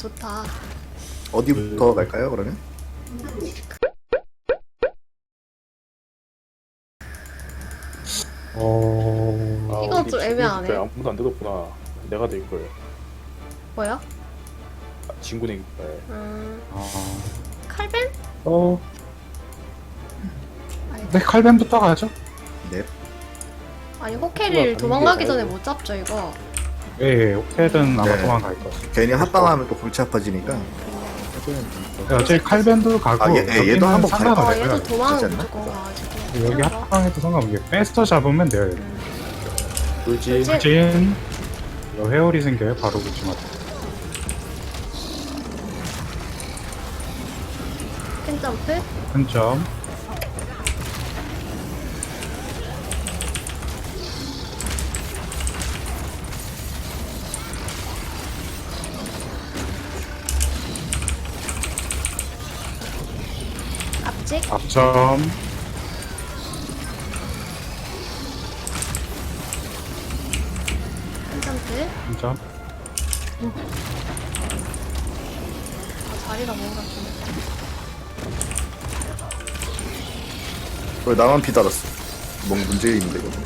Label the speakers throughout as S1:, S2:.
S1: 좋다.
S2: 어디부터 갈까요 그러면?
S1: 이거 좀 애매하네.
S3: 아무도 안 뜯었구나. 내가 될 거예요.
S1: 뭐야?
S3: 진군의 깃발.
S1: 칼벤?
S4: 네, 칼벤부터 가죠.
S2: 네.
S1: 아니 호케리를 도망가기 전에 못 잡죠 이거.
S4: 예, 호텔은 아마
S2: 네.
S4: 도망갈 것 같아요.
S2: 괜히 합방하면 또 골치 아파지니까.
S4: 네, 어차피 칼벤도 가고
S2: 아, 얘도 한번 가요.
S1: 아
S4: 상관없어요.
S1: 얘도 도망을
S2: 그렇지 않나?
S1: 무조건 가가지고.
S4: 여기 합방해도 상관없게 베스터 잡으면 돼요. 여기.
S3: 돌지.
S1: 돌지.
S4: 진 이거 회오리 생겨요. 바로 붙이면.
S1: 큰 점프.
S4: 큰 점.
S1: 앞직.
S4: 앞점.
S1: 큰 점프.
S4: 큰 점.
S1: 아 자리가 뭔가 좀.
S2: 왜 나만 피 달았어? 뭔 문제 있는데 이거.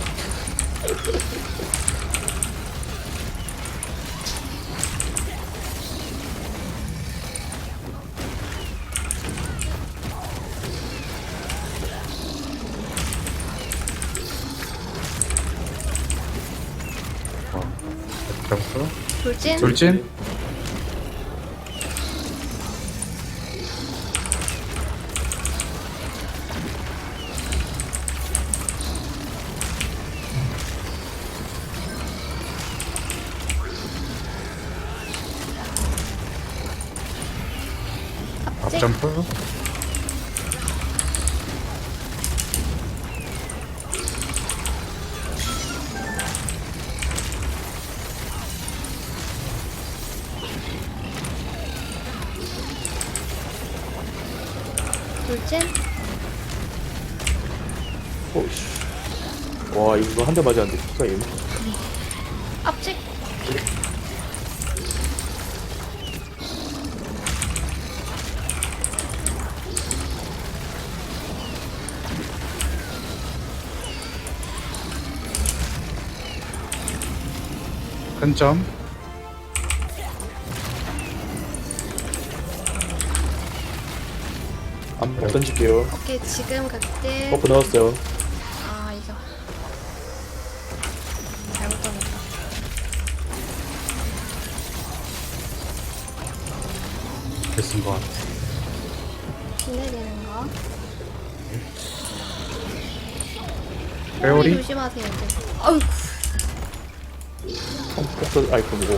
S4: 점프.
S1: 돌진.
S4: 돌진.
S1: 앞직.
S4: 앞점프.
S1: 돌진.
S3: 오씨. 와 이거 한 대 맞았는데 피가 있네.
S1: 앞직.
S4: 큰 점.
S3: 안 던질게요.
S1: 오케이 지금 그때.
S3: 버프 넣었어요.
S1: 아 이거 잘못 던졌다.
S4: 됐은 것 같아.
S1: 비 내리는 거.
S4: 회오리.
S1: 조심하세요 이제. 아유.
S3: 폭서 아이콘이고.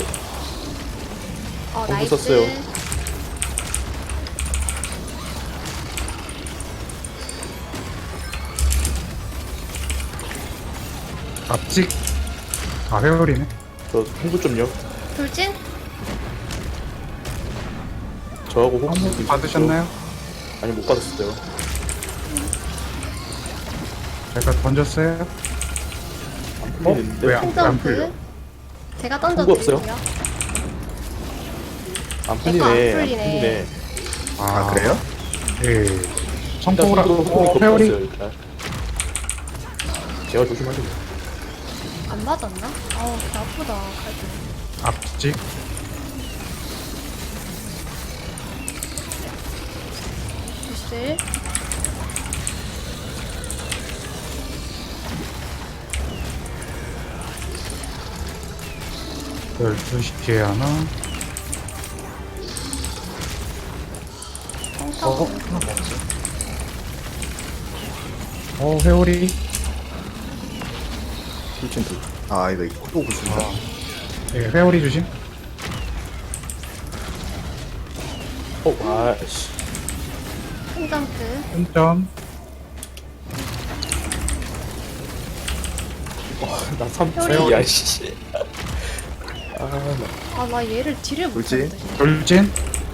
S1: 나이스.
S3: 썼어요.
S4: 앞직. 아, 회오리네.
S3: 저 홍수 좀요.
S1: 돌진.
S3: 저하고 혹시
S4: 한번 받으셨나요?
S3: 아니 못 받았어요.
S4: 제가 던졌어요.
S3: 안 풀리는데.
S4: 왜
S1: 큰
S4: 안 풀려?
S1: 점프. 제가
S3: 홍보 없어요?
S1: 던져드릴게요.
S3: 안
S1: 내거 안
S3: 풀리네. 안
S1: 풀리네.
S3: 풀리네.
S2: 아 그래요?
S4: 예. 성공을
S3: 손으로
S4: 회오리.
S3: 일단. 제가 조심하세요.
S1: 안 맞았나? 아우 배 아프다 칼도.
S4: 앞직.
S1: 글쎄.
S4: 열두 시 뒤에 하나.
S1: 성타고.
S4: 회오리.
S2: 돌진 돌. 아 이거 또 구슬이다.
S4: 예, 회오리 조심.
S3: 아씨.
S1: 큰 점프.
S4: 큰 점.
S3: 나 3층이야
S1: 회오리.
S3: 씨.
S1: 나 얘를 딜을
S2: 돌진.
S1: 못하는데.
S4: 돌진.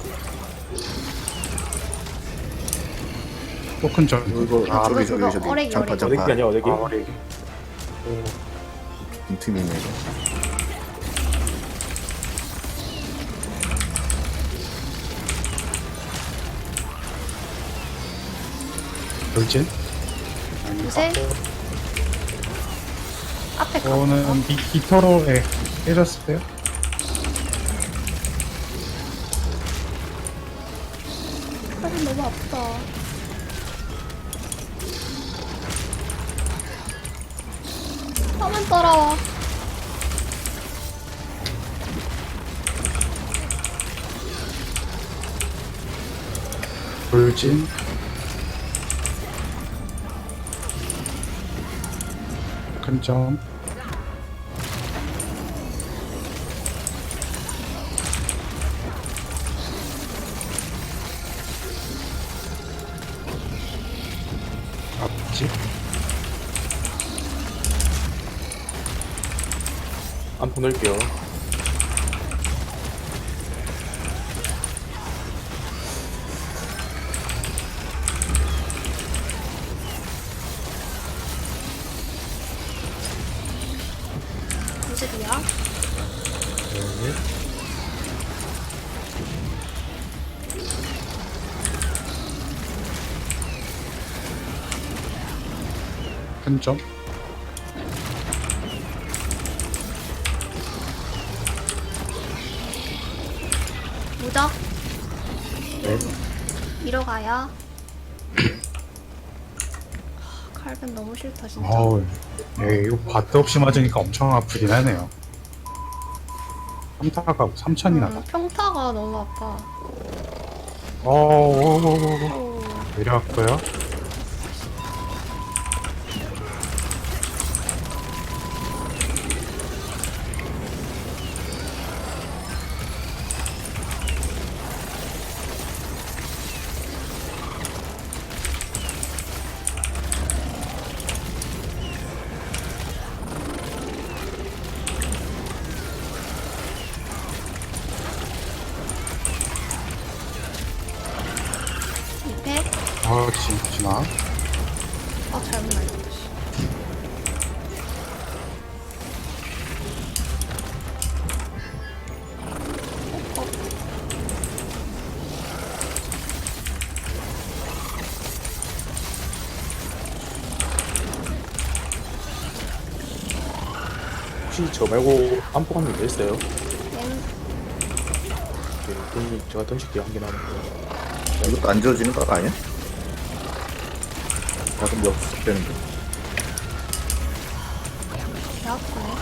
S4: 또 큰 점.
S2: 이거
S4: 아,
S2: 저기
S1: 그거,
S2: 저기
S1: 어레기,
S2: 장판
S1: 어레기.
S3: 어레기
S2: 장판.
S3: 아니야 어레기.
S4: 어레기.
S2: 빈틈이네. 이거.
S4: 돌진.
S1: 요새 앞에 가.
S4: 저는 빅터로 깨졌어요.
S1: 팔이 너무 아프다. 화면 따라와.
S4: 돌진. 큰 점. 앞집.
S3: 안 보낼게요.
S1: 무슨이야?
S4: 네. 큰 점.
S1: 무적
S4: 네.
S1: 이러 가요. 칼벤 너무 싫다 진짜.
S4: 어우, 이거 바트 없이 맞으니까 엄청 아프긴 하네요. 3타가 3천이나 나.
S1: 평타가 너무 아파.
S4: 오,
S1: 오.
S4: 내려왔고요.
S1: 이패.
S4: 진아.
S1: 잘못 날렸다. 씨.
S3: 혹시 저 말고 안포가는 게 있어요?
S1: 얘는
S3: 네, 그럼 제가 던질게요. 한 개 남았고.
S2: 이것도 안 지워지는 거 아니야? 가끔 몇 되는데.
S1: 개 아프네.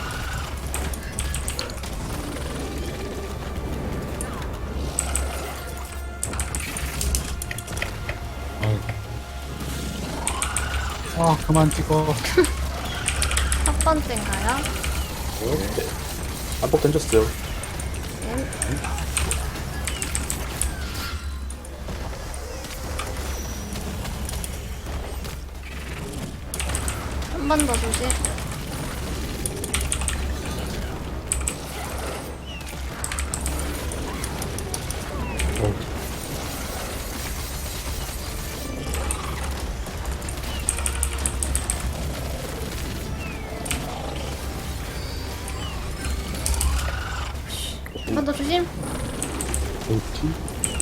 S4: 그만 찍어.
S1: 첫 번째인가요?
S3: 네. 안폭 던졌어요.
S1: 얘는 한 번 더 조심. 한 번 더 조심.
S4: 돌진.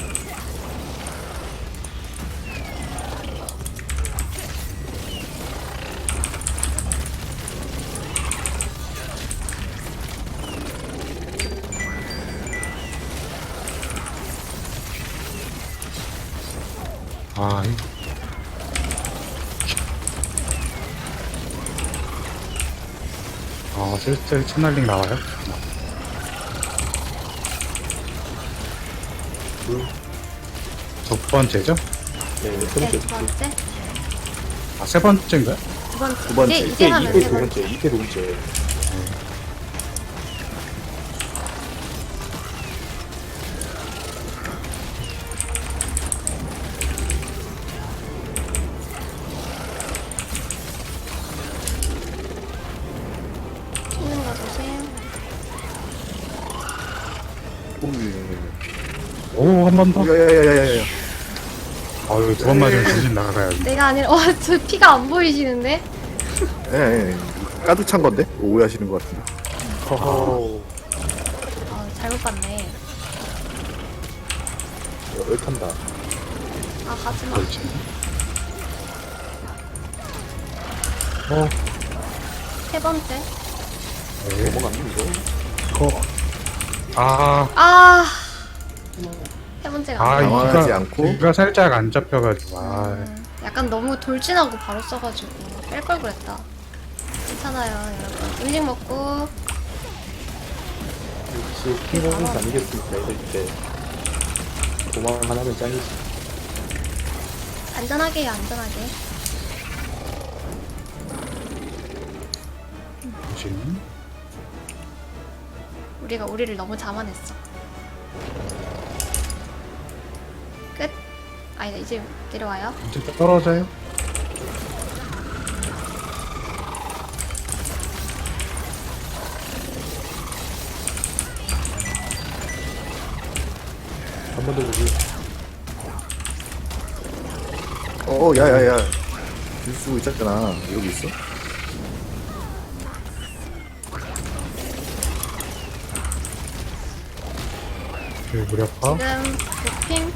S4: 이 슬슬 채널링 나와요? 첫 번째죠?
S3: 네, 세
S1: 네,
S3: 번째.
S1: 두 번째.
S4: 세 번째인가요?
S1: 두 번째.
S2: 두 번째.
S1: 이제 하면
S3: 이태
S1: 세
S3: 두
S1: 번째.
S3: 번째. 이태 두 번째.
S1: 찍는 거 조심.
S4: 한 번 더.
S2: 야야야야야야.
S4: 이거 두 번 맞으면 정신 나가요.
S1: 내가 아니라 저 피가 안 보이시는데?
S2: 예. 까득 찬 건데 오해하시는 것 같은데.
S3: 허허.
S1: 잘못 봤네.
S3: 얼탄다.
S1: 가지마.
S4: 돌진.
S1: 세 번째.
S4: 네.
S3: 넘어갔니 이거?
S4: 이거. 아,
S1: 아. 세 번째가
S4: 아,
S1: 안 돼.
S2: 당황하지 않고.
S4: 이가 살짝 안 잡혀가지고. 아,
S1: 약간 너무 돌진하고 바로 써가지고 뺄 걸 그랬다. 괜찮아요, 여러분. 음식 먹고
S3: 역시 킹공은 아니겠습니까 이럴 때 도망 하나면 짱이지.
S1: 안전하게 해요, 안전하게.
S4: 조심.
S1: 우리가 우리를 너무 자만했어. 끝. 아니다, 이제 내려와요.
S4: 이제 떨어져요?
S3: 한 번 더 보기.
S2: 야야야. 줄 쓰고 있었잖아. 여기 있어?
S4: 그 무력화.
S1: 지금 도핑.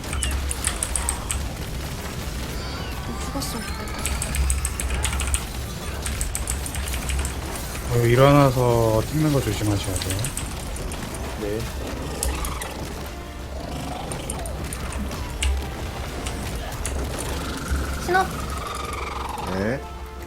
S1: 죽었으면 좋겠다.
S4: 일어나서 찍는 거 조심하셔야 돼요.
S3: 네.
S1: 신업.
S2: 네.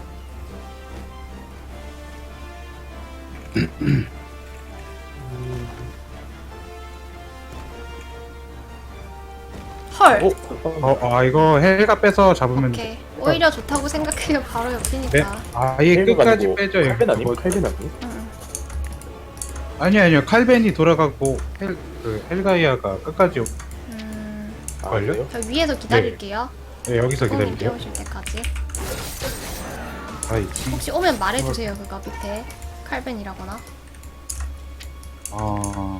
S1: 헐.
S4: 이거 헬가 빼서 잡으면.
S1: 오케이. 오히려 좋다고 생각해요. 바로
S4: 네.
S1: 옆이니까.
S4: 아예 끝까지 빼죠. 이거.
S3: 칼벤 아니고 칼벤 아니고?
S1: 응.
S4: 아니요. 칼벤이 돌아가고 헬가이아가 끝까지
S3: 아,
S4: 걸려?
S3: 그래요?
S1: 저 위에서 기다릴게요.
S4: 네, 여기서
S1: 손님
S4: 기다릴게요.
S1: 깨우실 때까지.
S4: 아이,
S1: 혹시 오면 말해주세요. 그거 밑에 칼벤이라거나.
S4: 아,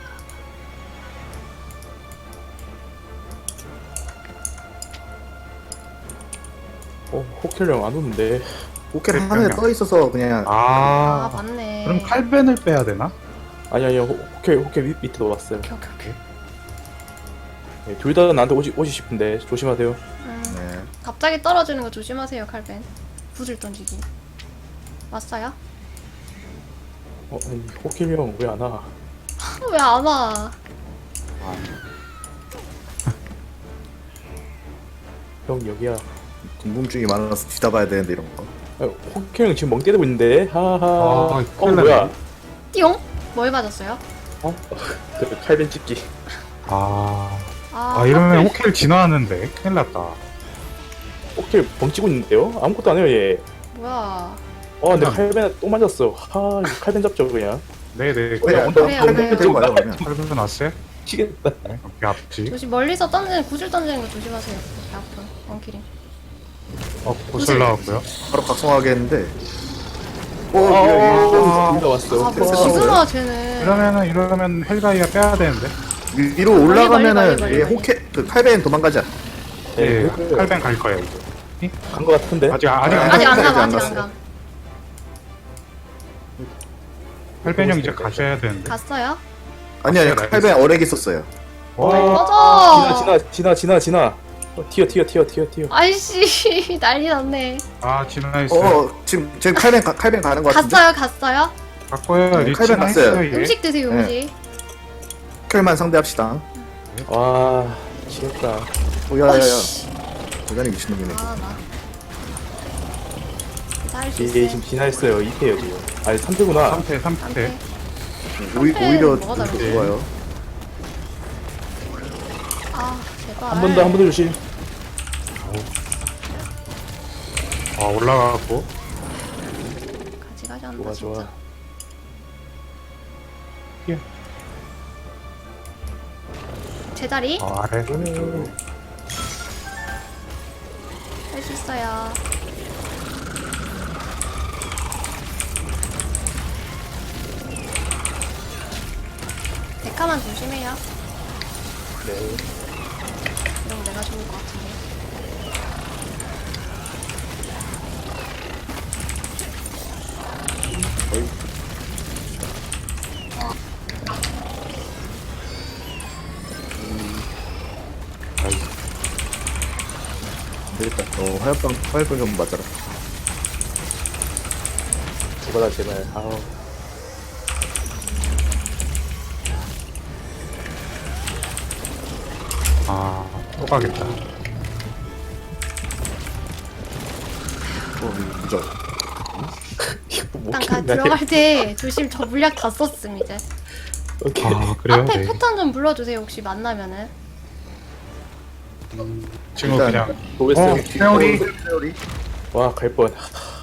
S3: 호켈령 안 오는데.
S2: 호켈 하늘에 떠 있어서 그냥
S1: 아,
S4: 아,
S1: 맞네.
S4: 그럼 칼벤을 빼야 되나?
S3: 아니요 호켈 밑에 놓았어요.
S1: 오케이, 오케이, 오케이.
S3: 네, 둘 다 나한테 오시 싶은데 조심하세요.
S2: 네.
S1: 갑자기 떨어지는 거 조심하세요, 칼벤. 구슬 던지기. 왔어요?
S3: 아니, 호켈령 왜 안 와?
S1: 왜 안 와?
S3: 형 여기야.
S2: 궁금증이 많아서 뒤다봐야 되는데 이런 거.
S3: 호켈령 지금 멍 때리고 있는데. 하하.
S4: 큰일
S3: 뭐야?
S4: 났네.
S1: 띠용? 뭘 맞았어요?
S3: 그 칼벤 찍기.
S4: 이러면
S1: 하필.
S4: 호켈 진화하는데 큰일 났다.
S3: 호켈 멍치고 있는데요? 아무것도 안 해요 얘.
S1: 뭐야?
S3: 근데
S4: 그냥-
S3: 칼벤 또 맞았어. 이거 칼벤 잡죠 그냥.
S4: 네네.
S2: 그냥
S4: 먼저
S1: 그래요,
S2: 칼벤
S1: 그래요.
S2: 들고 가요 그러면.
S4: 칼벤 왔어요?
S3: 치겠다.
S4: 네, 오케이 앞지.
S1: 조심, 멀리서 던지는, 구슬 던지는 거 조심하세요. 배 아픈. 원키링.
S4: 고슬 나왔고요.
S2: 바로 각성하게 했는데.
S3: 둘다 왔어.
S1: 아, 뭐 지금아, 쟤는.
S4: 이러면 헬가이아 빼야 되는데.
S2: 위로
S1: 멀리,
S2: 올라가면은
S1: 멀리,
S2: 얘
S1: 멀리.
S2: 호켈 그 칼벤 도망가지 않아.
S4: 예,
S3: 호켈
S4: 칼벤 갈 거예요 이제.
S3: 간거 같은데.
S4: 아직
S1: 아직 안
S2: 아직
S1: 가,
S2: 안
S1: 아직 안
S2: 갔어요.
S1: 가.
S4: 칼벤 형 이제 가셔야 되는데.
S1: 갔어요?
S2: 아니 칼벤 어렉 있었어요.
S1: 꺼져!
S3: 지나. 튀어.
S1: 아이씨, 난리 났네.
S4: 진화했어요.
S2: 지금 칼벤 가는 거 같은데.
S1: 갔어요?
S4: 바꿔요.
S2: 네,
S4: 리치
S2: 칼벤
S4: 했어요
S2: 갔어요.
S4: 얘.
S1: 음식 드세요,
S2: 네.
S1: 음식.
S2: 호켈만 상대합시다.
S3: 와 지겹다.
S2: 야야야.
S1: 어이씨.
S2: 대단히 미친놈이네.
S1: 아, 나. 잘할수
S3: 이게
S1: 있어.
S3: 지금 진화했어요. 2패요 지금. 아니 3패구나.
S4: 3패.
S1: 안돼.
S2: 오히려
S1: 뭐가 다르지?
S2: 좋아요.
S1: 아, 제발.
S3: 한 번 더 조심.
S4: 올라가고.
S1: 가지 않는다,
S3: 좋아.
S1: 진짜.
S4: 예.
S1: 제자리
S4: 아래.
S1: 할 수 있어요. 데카만 조심해요.
S3: 네.
S1: 이러면 내가 좋을 것 같은데.
S2: 되겠다. 화염병 좀 맞아라.
S3: 죽어라 제발. 아우.
S4: 아, 또 가겠다.
S2: 무적.
S3: 이거 못
S1: 일단
S3: 깼나?
S1: 들어갈 때 조심. 저 물약 다 썼음 이제.
S3: 오케이.
S4: 아, 그래요?
S1: 앞에
S4: 네.
S1: 패턴 좀 불러주세요 혹시 만나면은.
S4: 지금
S2: 일단
S4: 그냥.
S3: 보겠어요.
S4: 회오리.
S2: 회오리.
S3: 와, 갈 뻔.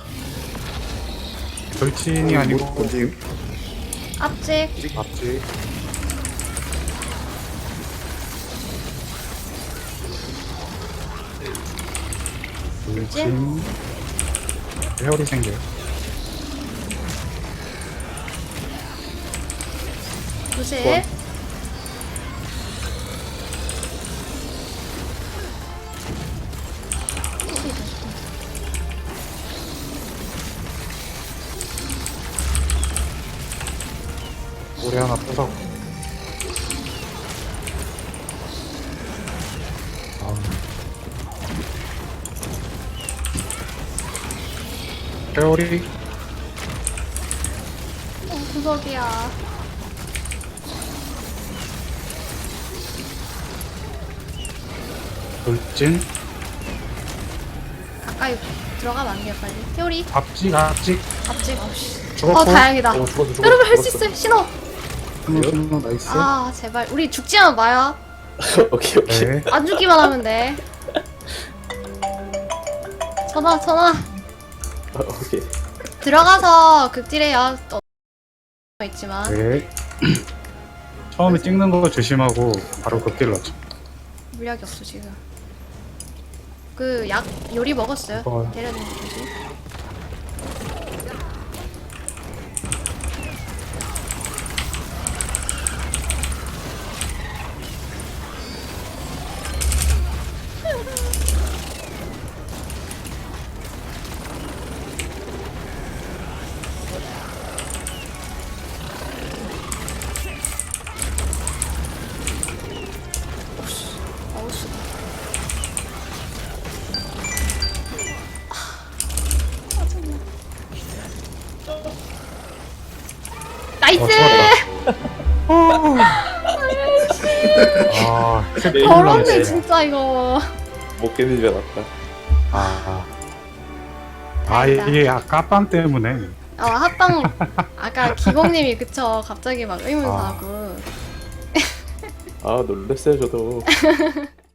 S4: 돌진이 아니고
S2: 본짐.
S1: 앞직.
S4: 앞지. 돌진. 회오리 생겨요.
S1: 조심.
S4: 오래 하나 부서. 회오리.
S1: 구석이야.
S4: 돌진.
S1: 가까이 들어가면 안 돼요 빨리. 태오리.
S4: 앞지. 앞지.
S1: 앞직. 어씨.
S4: 죽었고.
S1: 다행이다.
S3: 죽었어.
S1: 여러분 할 수 있어요. 신호.
S4: 신호 나이스.
S1: 아 제발 우리 죽지만 마요.
S3: 오케이, 오케이.
S4: 네.
S1: 안 죽기만 하면 돼. 전화.
S3: 오케이.
S1: 들어가서 극딜해요. 또 있지만
S4: 네. 처음에 찍는 거 조심하고 바로 극딜 넣죠.
S1: 물약이 없어 지금. 그 약 요리 먹었어요.
S4: 먹어요.
S1: 때려주는 거 조심. 어우씨. 나이스!
S4: 아,
S1: 더럽네 진짜 이거.
S3: 못 깨는 줄 알았다.
S4: 이게 아까 깜 때문에.
S1: 합방 아까 기공님이 그쵸 갑자기 막 의문사하고.
S3: 아, 놀랬어요, 저도.